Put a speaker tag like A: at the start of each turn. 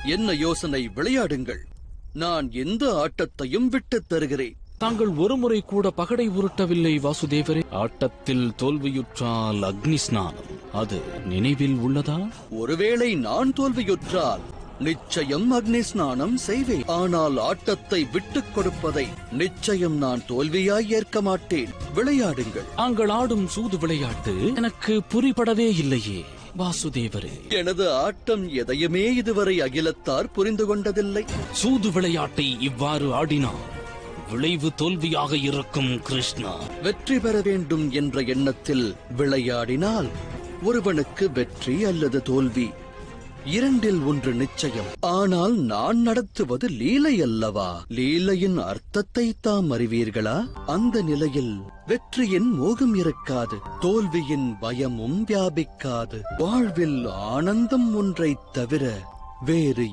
A: என்ன யோசனை? விளையாடுங்கள். நான் எந்த ஆட்டத்தையும் விட்டுத் தருகிறேன்.
B: தாங்கள் ஒருமுறை கூட பகடை உருட்டவில்லை வாசுதேவரே. ஆட்டத்தில் தோல்வியுற்றால் அக்னி ஸ்நானம், அது நினைவில் உள்ளதா?
A: ஒருவேளை நான் தோல்வியுற்றால் நிச்சயம் அக்னி ஸ்நானம் செய்வேன். ஆனால் ஆட்டத்தை விட்டுக் கொடுப்பதை நிச்சயம் நான் தோல்வியாய் ஏற்க மாட்டேன். விளையாடுங்கள்.
B: தாங்கள் ஆடும் சூது விளையாட்டு எனக்கு புரிபடவே இல்லையே வாசுதேவரே.
A: எனது ஆட்டம் எதையுமே இதுவரை அகிலத்தார் புரிந்து கொண்டதில்லை.
B: சூது விளையாட்டை இவ்வாறு ஆடினார் விளைவு தோல்வியாக இருக்கும் கிருஷ்ணா.
A: வெற்றி பெற வேண்டும் என்ற எண்ணத்தில் விளையாடினால் ஒருவனுக்கு வெற்றி அல்லது தோல்வி இரண்டில் ஒன்று நிச்சயம். ஆனால் நான் நடத்துவது லீலை அல்லவா? லீலையின் அர்த்தத்தை தாம் அறிவீர்களா? அந்த நிலையில் வெற்றியின் மோகம் இருக்காது, தோல்வியின் பயமும் வியாபிக்காது. வாழ்வில் ஆனந்தம் ஒன்றைத் தவிர வேறு